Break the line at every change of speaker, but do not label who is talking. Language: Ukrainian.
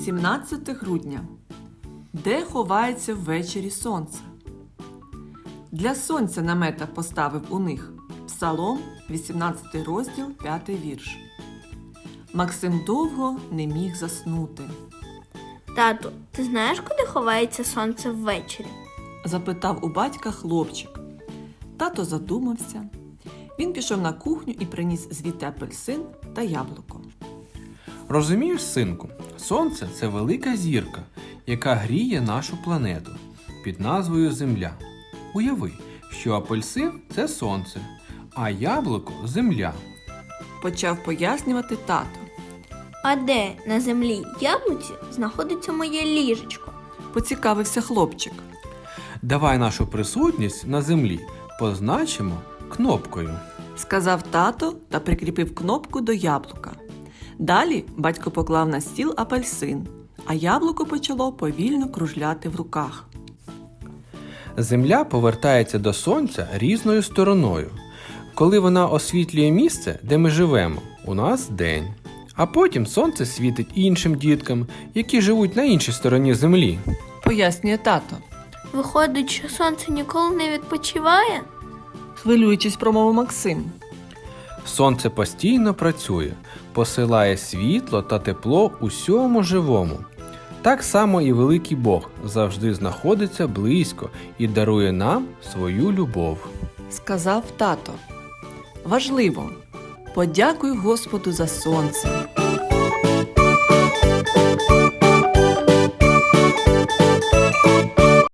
17 грудня. Де ховається ввечері сонце? Для сонця намета поставив у них. Псалом, 18 розділ, 5 вірш. Максим довго не міг заснути.
Тату, ти знаєш, куди ховається сонце ввечері?
Запитав у батька хлопчик. Тато задумався. Він пішов на кухню і приніс звідти апельсин та яблуко.
Розумієш, синку, сонце – це велика зірка, яка гріє нашу планету під назвою Земля. Уяви, що апельсин – це сонце, а яблуко – земля.
Почав пояснювати тато.
А де на землі яблуці знаходиться моє ліжечко?
Поцікавився хлопчик.
Давай нашу присутність на землі позначимо кнопкою.
Сказав тато та прикріпив кнопку до яблука. Далі батько поклав на стіл апельсин, а яблуко почало повільно кружляти в руках.
Земля повертається до сонця різною стороною. Коли вона освітлює місце, де ми живемо, у нас день. А потім сонце світить іншим діткам, які живуть на іншій стороні землі.
Пояснює тато.
Виходить, що сонце ніколи не відпочиває?
Хвилюючись, промовив Максим.
Сонце постійно працює, посилає світло та тепло усьому живому. Так само і великий Бог завжди знаходиться близько і дарує нам свою любов.
Сказав тато. Важливо. Подякуй Господу за сонце.